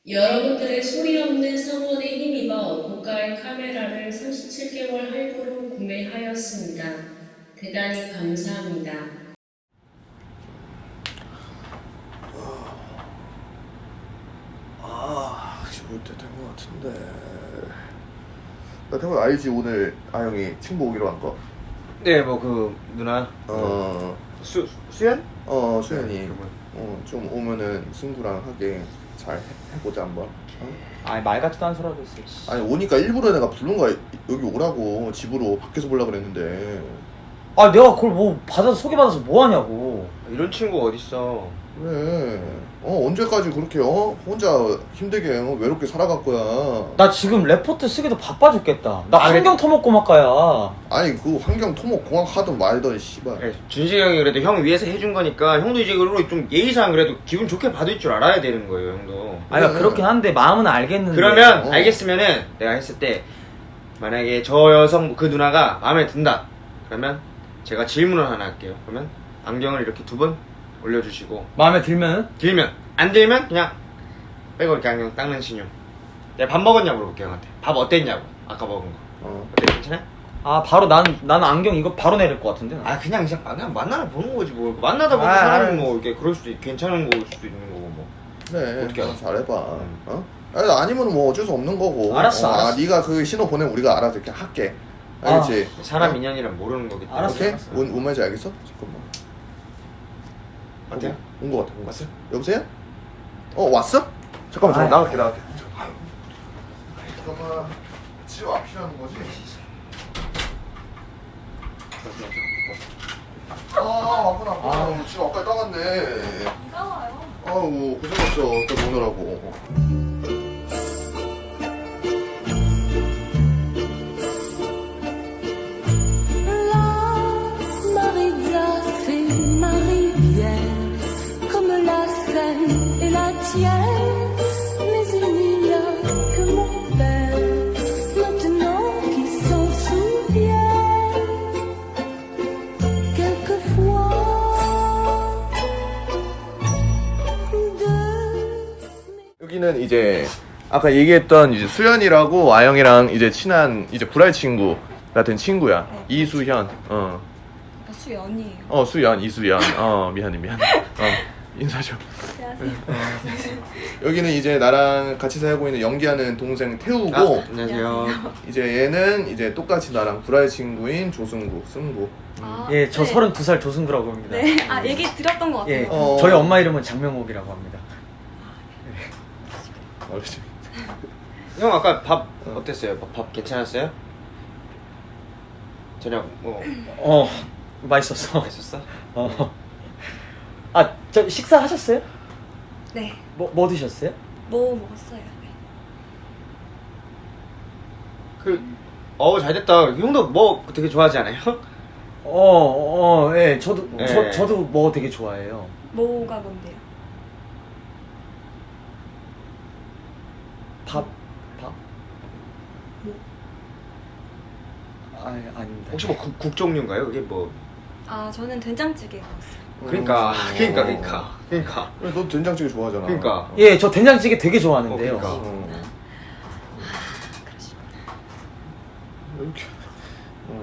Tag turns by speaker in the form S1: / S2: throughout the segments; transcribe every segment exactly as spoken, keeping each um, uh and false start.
S1: 여러분들의 소리 없는 성원에 힘입어 고가의 카메라를 삼십칠 개월 할부로 구매하였습니다. 대단히 감사합니다.
S2: 아, 지금 올 때 된 것 같은데. 나 태국 알지? 오늘 아영이 친구 오기로 한 거.
S3: 네, 뭐 그 누나
S2: 어,
S3: 수 수연?
S2: 어 수현이.
S3: 네,
S2: 어, 좀 오면은 승구랑 하게 잘 해- 해보자 한번. 어?
S3: 아니 말 같지도 않은 소리 하고 있어. 씨.
S2: 아니 오니까 일부러 내가 부른 거야. 여기 오라고 집으로 밖에서 보려고 그랬는데.
S4: 아 내가 그걸 뭐 받아서 소개받아서 뭐 하냐고.
S3: 이런 친구 어딨어?
S2: 그래. 어 언제까지 그렇게 어 혼자 힘들게 어, 외롭게 살아갈 거야.
S4: 나 지금 레포트 쓰기도 바빠 죽겠다. 나
S3: 아,
S4: 환경 토목 고막가야.
S2: 아니 그 환경 토목 공학 하든 말든 씨발.
S3: 그래, 준식이 형이 그래도 형 위해서 해준 거니까 형도 이제 그리고 좀 예의상 그래도 기분 좋게 받을 줄 알아야 되는 거예요, 형도.
S4: 아니
S2: 그래.
S4: 그렇긴 한데 마음은 알겠는데.
S3: 그러면
S2: 어.
S3: 알겠으면은 내가 했을 때 만약에 저 여성 그 누나가 마음에 든다. 그러면 제가 질문을 하나 할게요. 그러면 안경을 이렇게 두 번 올려주시고
S4: 마음에 들면은
S3: 들면 안 들면 그냥 빼고 이렇게 안경 닦는 신용. 내가 밥 먹었냐고 물어볼게요, 형한테. 밥 어땠냐고 아까 먹은 거.
S2: 어.
S3: 어때, 괜찮아?
S4: 아 바로 난 나는 안경 이거 바로 내릴 것 같은데.
S3: 아 그냥 그냥 그냥 만나다 보는 거지 뭐. 만나다 보면
S4: 아,
S3: 사람이
S4: 아.
S3: 뭐 이렇게 그럴 수도 있, 괜찮은 거일 수도 있는 거고 뭐.
S2: 그래.
S3: 어떻게 알아?
S2: 잘해봐.
S3: 음.
S2: 어? 아니, 아니면 뭐 어쩔 수 없는 거고.
S4: 알았어,
S2: 어,
S4: 알았어.
S2: 아, 네가 그 신호 보내면 우리가 알아서 이렇게 할게. 알겠지?
S3: 사람
S2: 어?
S3: 인연이란 모르는 거기 때문에.
S4: 알았어,
S2: 오케이?
S4: 알았어.
S2: 뭔, 뭔 말인지 알겠어? 잠깐만.
S3: 어때요?
S2: 온 거 같아. 온 거 같아.
S3: 왔어요?
S2: 여보세요? 어 왔어? 잠깐만 잠깐
S4: 아이.
S2: 나갈게 나갈게. 잠깐만. 집 앞이라는 거지? 아 왔구나 왔구나.
S4: 아.
S2: 집 앞까지 따갔네.
S5: 비가 와요.
S2: 아우 고생했어 또 오느라고.
S5: La Marisa, c'est ma rivière, comme la Seine et la tienne. Mais il n'y a que mon père, maintenant qui s'en souvient. Quelquefois, de
S2: 여기는 이제 아까 얘기했던 이제 수연이라고 아영이랑 이제 친한 이제 불알 친구 같은 친구야.
S5: 네.
S2: 이수현. 어.
S5: 아, 수연이에요.
S2: 어 수연 이수연. 어 미안해 미안해. 어 인사 좀.
S5: 안녕하세요.
S2: 여기는 이제 나랑 같이 살고 있는 연기하는 동생 태우고
S3: 아, 안녕하세요.
S2: 이제 얘는 이제 똑같이 나랑 불알 친구인 조승구 승구. 음.
S5: 아,
S4: 예, 저
S5: 네.
S4: 서른두 살 조승구라고 합니다.
S5: 네, 아 얘기 드렸던 것 같아요.
S4: 예,
S2: 어.
S4: 저희 엄마 이름은 장명옥이라고 합니다.
S2: 알겠지.
S3: 형 아까 밥 어땠어요? 밥, 밥 괜찮았어요? 저녁 뭐
S4: 어, 맛있었어.
S3: 맛있었어?
S4: 어. 아, 저 식사하셨어요?
S5: 네,
S4: 뭐, 뭐 드셨어요?
S5: 뭐 먹었어요? 네.
S3: 그 어우 잘됐다. 형도 뭐 되게 좋아하지 않아요?
S4: 어, 어, 예, 저도,
S3: 예.
S4: 저, 저도 뭐 되게 좋아해요.
S5: 뭐가 뭔데요?
S4: 밥, 밥?
S5: 뭐?
S4: 아, 아닙니다.
S3: 혹시 뭐 국, 국 종류인가요? 그게 뭐
S5: 아 저는 된장찌개 먹었어요.
S3: 그러니까
S2: 어.
S3: 그러니까 그러니까 그러니까
S2: 그래, 너 된장찌개 좋아하잖아.
S3: 그러니까.
S4: 예, 저 된장찌개 되게 좋아하는데요.
S3: 어, 그러니까.
S2: 어. 이렇게. 어.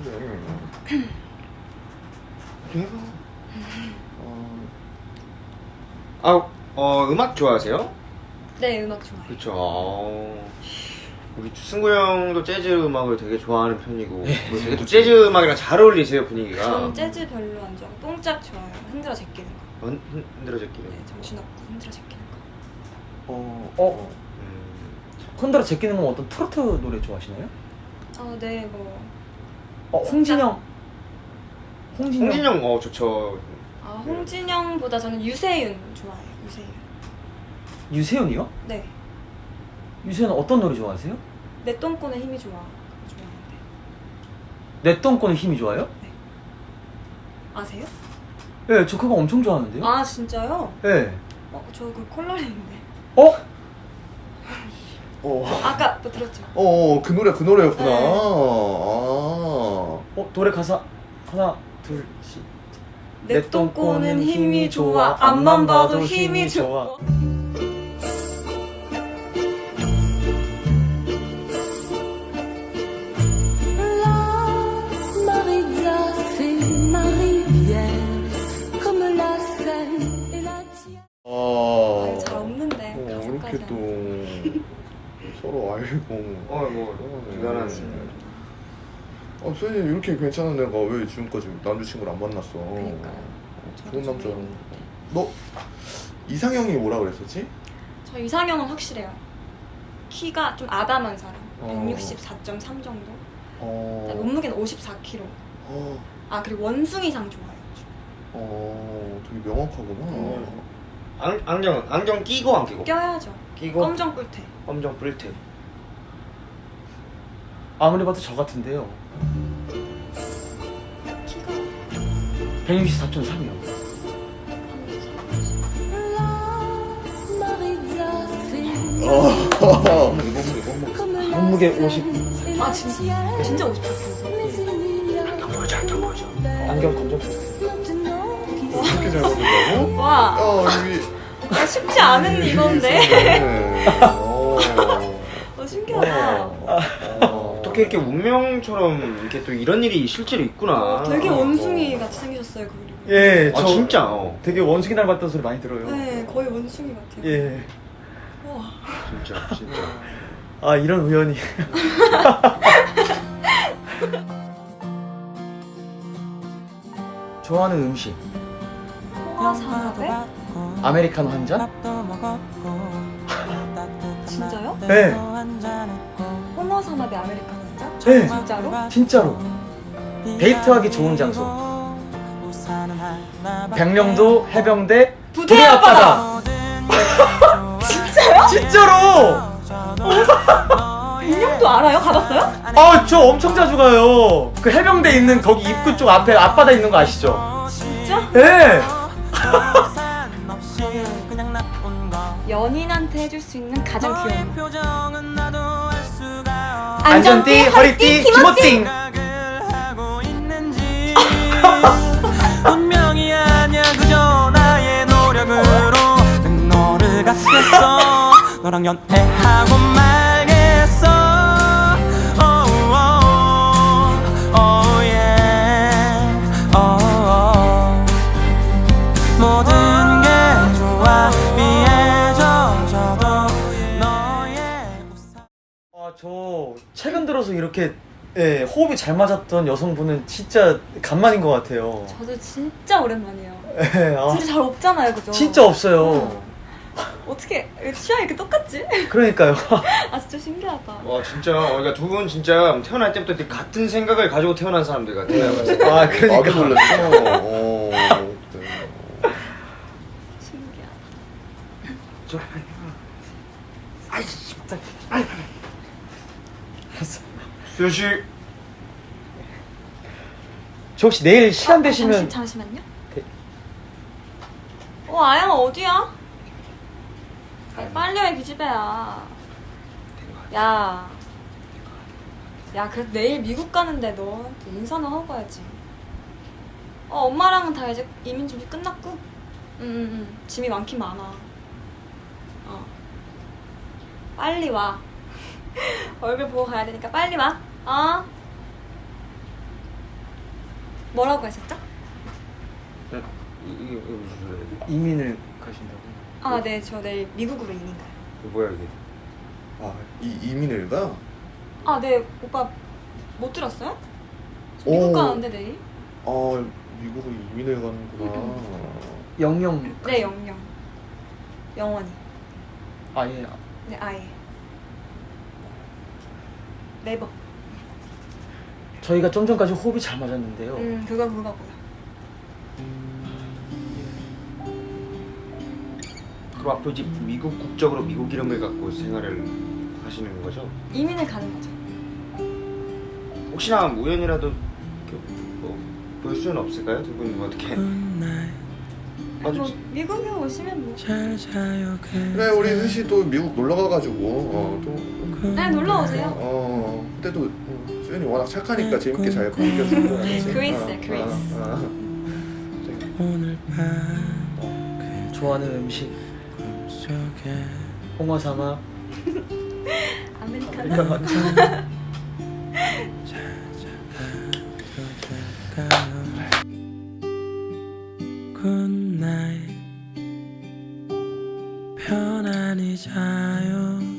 S2: 그래. 어.
S3: 아, 어 음악 좋아하세요?
S5: 네, 음악 좋아해요.
S3: 그렇죠. 어, 우리 승구 형도 재즈 음악을 되게 좋아하는 편이고 뭐 되게 또 재즈 음악이랑 잘 어울리세요 분위기가.
S5: 저는 재즈 별로 안 좋아하고 똥짝 좋아해요. 흔들어 제끼는 거.
S3: 흔, 흔, 흔들어 제끼는.
S5: 네, 정신없고 흔들어 제끼는 거.
S2: 어.
S4: 어?
S3: 음,
S4: 흔들어 제끼는 건 어떤 트로트 노래 좋아하시나요?
S5: 아, 네, 뭐.
S4: 어, 홍진영. 홍진영.
S3: 홍진영 어 좋죠.
S5: 아, 홍진영보다 저는 유세윤 좋아해요. 유세윤.
S4: 유세윤이요?
S5: 네.
S4: 유세윤 어떤 노래 좋아하세요?
S5: 내 똥꼬는 힘이 좋아. 그거 좋아하는데.
S4: 내 똥꼬는 힘이 좋아요?
S5: 아세요?
S4: 예, 저 그거 엄청 좋아하는데요?
S5: 아, 진짜요?
S4: 예.
S5: 어, 저 그 콜라리인데.
S4: 어?
S2: 어.
S5: 아까 또 들었죠?
S2: 어, 그 노래 그 노래였구나.
S5: 네.
S2: 아.
S4: 어, 노래 가사 하나, 둘, 셋.
S5: 내 똥꼬는 힘이 좋아. 앞만 봐도 힘이 좋아.
S2: 이렇게 또 서로 알고.
S3: 어뭐 대단한.
S2: 아, 선생님 이렇게 괜찮은 애가 왜 지금까지 남자친구를 안 만났어?
S6: 그러니까요.
S2: 어, 좋은 남자. 너 이상형이 뭐라 그랬었지?
S6: 저 이상형은 확실해요. 키가 좀 아담한 사람.
S2: 어.
S6: 백육십사 점 삼 정도.
S2: 어.
S6: 몸무게는 오십사 킬로그램.
S2: 어.
S6: 아 그리고 원숭이상 좋아해요.
S2: 어. 되게 명확하구나.
S3: 어. 안, 안경 안경 끼고 안 끼고?
S6: 껴야죠.
S3: 끼고
S6: 검정 뿔테.
S3: 검정 뿔테.
S4: 아무리 봐도 저 같은데요.
S6: 키가
S4: 백육십사 점 삼이요.
S2: 어.
S4: 몸무게 오십.
S6: 아 진짜 진짜 오십사 킬로그램.
S3: 보여줘 안경 보여줘.
S4: 안경 검정 뿔테.
S2: 이렇게 잘 먹는다고?
S6: 와
S2: 어, 이게
S6: 아, 쉽지 않은 이건데.
S2: 네. 어.
S6: 어 신기하다.
S2: 어.
S3: 어떻게 이렇게 운명처럼 이렇게 또 이런 일이 실제로 있구나.
S6: 어, 되게 원숭이 같이 생기셨어요 그리고.
S4: 예,
S3: 아
S4: 저
S3: 진짜. 어.
S4: 되게 원숭이 닮았다는 소리 많이 들어요.
S6: 네 거의 원숭이 같아요.
S4: 예.
S6: 와.
S3: 진짜 진짜.
S4: 아 이런 우연이. 좋아하는 음식.
S6: 홍화산업에?
S4: 아메리카노 한 잔?
S6: 진짜요?
S4: 네.
S6: 홍화산업에 아메리카노 진짜?
S4: 네.
S6: 진짜로?
S4: 진짜로. 데이트하기 좋은 장소. 백령도 해병대
S6: 부대 앞바다.
S4: 진짜요? 진짜로.
S6: 백령도 알아요? 가봤어요?
S4: 아, 저 엄청 자주 가요. 그 해병대 있는 거기 입구 쪽 앞에 앞바다 있는 거 아시죠?
S6: 진짜?
S4: 네.
S6: 연인한테 해줄 수 있는 가장 귀여운 거.
S4: 안전띠, 허리띠, 기모띵.
S7: 분명히 아니야 그저 나의 노력으로 난 너를 갖겠어 너랑 연애하고 말겠어 oh, oh, oh, yeah. oh, oh. 모든 게 좋아 위에 젖어도 너의 우산
S4: 아, 저 최근 들어서 이렇게 예, 호흡이 잘 맞았던 여성분은 진짜 간만인 것 같아요.
S6: 저도 진짜 오랜만이에요.
S4: 예, 아,
S6: 진짜 잘 없잖아요, 그죠?
S4: 진짜 없어요.
S6: 어떻게 취향이 이렇게 똑같지?
S4: 그러니까요.
S6: 아 진짜 신기하다.
S3: 와 진짜. 그러니까 두 분 진짜 태어날 때부터 이렇게 같은 생각을 가지고 태어난 사람들 같아요.
S4: 아, 그러니까.
S2: 나도 놀랐어. 어. 네.
S6: 신기하다.
S3: 저
S4: 아이, 진짜. 아이. 알았어.
S3: 수현 씨.
S4: 저 혹시 내일 시간
S6: 아,
S4: 되시면
S6: 잠시, 잠시만요.
S4: 네.
S6: 어 아영아 어디야? 아, 빨리 와 기집애야. 야. 야 그래도 내일 미국 가는데 너한테 인사는 하고 가야지. 어 엄마랑은 다 이제 이민 준비 끝났고. 응응응 짐이 많긴 많아. 어. 빨리 와. 얼굴 보고 가야 되니까 빨리 와. 어? 뭐라고 하셨죠?
S3: 이게 이게 무슨 소리야?
S4: 이민을 가신다고.
S6: 아, 네, 저 내일 미국으로 이민 가요.
S3: 이거 뭐야 이게?
S2: 아, 이 이민을 가?
S6: 아, 네, 오빠 못 들었어요? 저 미국
S2: 오.
S6: 가는데 내일?
S2: 아, 미국으로 이민을 가는구나.
S4: 영영.
S6: 네, 영영. 영원히.
S4: 아, 예.
S6: 네, 아예. 네버.
S4: 저희가 좀 전까지 호흡이 잘 맞았는데요.
S6: 음, 그거 그거 뭐야?
S3: 그럼 앞으로 이제 미국 국적으로 미국 이름을 갖고 생활을 하시는 거죠?
S6: 이민을 가는 거죠.
S3: 혹시나 우연이라도 이렇게 뭐 볼 수는 없을까요? 두 분 어떻게? 아주
S6: 뭐 미국에 오시면 뭐.
S7: 잘 자요
S2: 그래, 우리 수시 또 미국 놀러 가가지고 어, 또
S6: 네, 놀러 오세요.
S2: 어, 그때도 어, 수연이 워낙 착하니까 재밌게 잘 반겼을 거 같지.
S6: 그레이스,
S2: 어,
S6: 그레이스.
S2: 어, 어.
S7: 오늘 밤
S4: 좋아하는 음식.
S7: 꿈속에
S4: 홍어삼아.
S6: 아메리카노.
S4: 아메리카노.
S7: Good night 편안히 자요